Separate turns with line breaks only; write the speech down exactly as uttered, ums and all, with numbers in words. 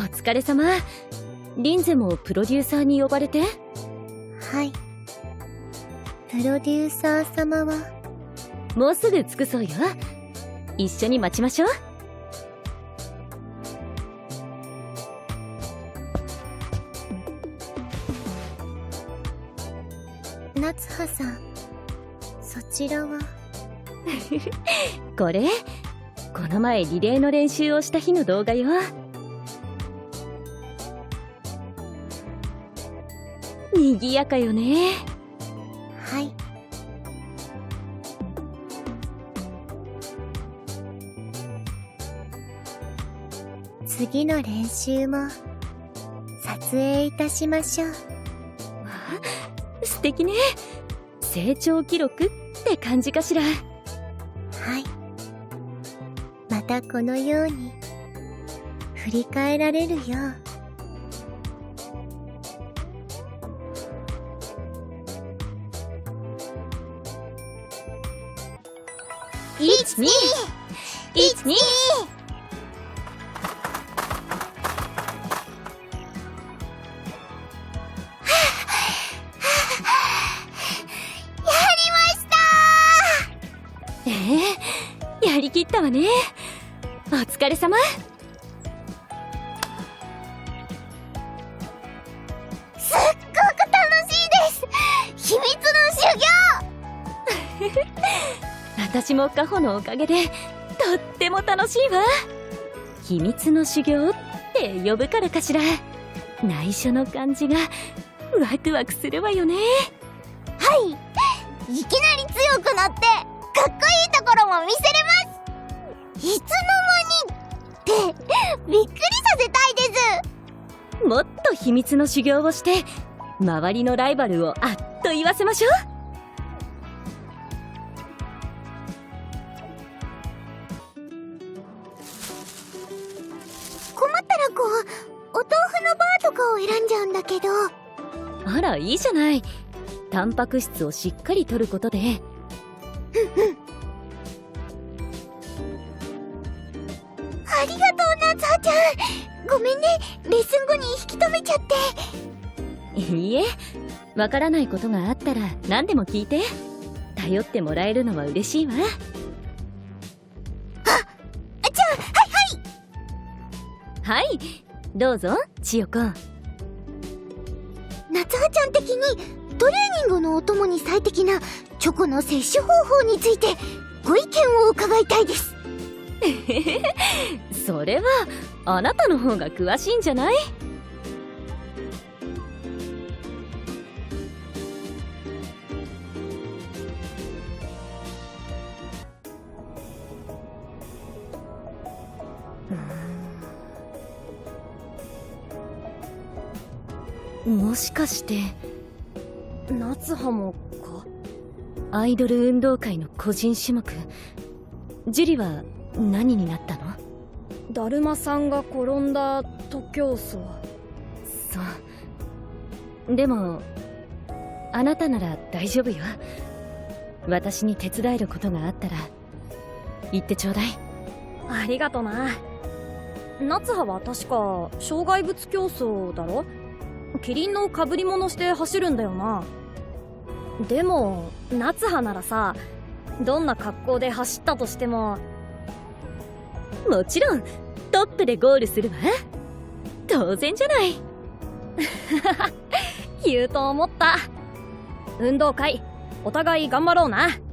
疲れ様。リンゼもプロデューサーに呼ばれて。
はい。プロデューサー様は
もうすぐ着くそうよ。一緒に待ちましょう。
夏葉さん、そちらは
これこの前リレーの練習をした日の動画よ。にぎやかよね。
はい。次の練習も撮影いたしましょう。
素敵ね。成長記録って感じかしら。
はい。またこのように振り返られるよう。
一二一二。ええ、やりきったわね。お疲れ様。
すっごく楽しいです。秘密の修行
私もカホのおかげでとっても楽しいわ。秘密の修行って呼ぶからかしら。内緒の感じがワクワクするわよね。
はい。いきなり強くなってかっこいいところも見せれます。いつの間にってびっくりさせたいです。
もっと秘密の修行をして周りのライバルをあっと言わせましょう。
困ったらこうお豆腐のバーとかを選んじゃうんだけど。
あら、いいじゃない。タンパク質をしっかり摂ることで。
うんうん。ありがとう、夏葉ちゃん。ごめんね、レッスン後に引き止めちゃって。
いいえ、わからないことがあったら何でも聞いて。頼ってもらえるのは嬉しいわ。あ、じゃ
あ、はいはい。
はい、どうぞ、千代子。
夏葉ちゃん的にトレーニングのお供に最適なチョコの摂取方法についてご意見を伺いたいです。
それはあなたの方が詳しいんじゃない？もしかして夏葉もか？アイドル運動会の個人種目、樹里は何になったの？
だるまさんが転んだ徒競走。
そうでもあなたなら大丈夫よ。私に手伝えることがあったら言ってちょうだい。
ありがとな。夏葉は確か障害物競争だろ。キリンの被り物して走るんだよな。でも夏葉ならさ、どんな格好で走ったとしても
もちろんトップでゴールするわ。当然じゃない。
言うと思った。運動会お互い頑張ろうな。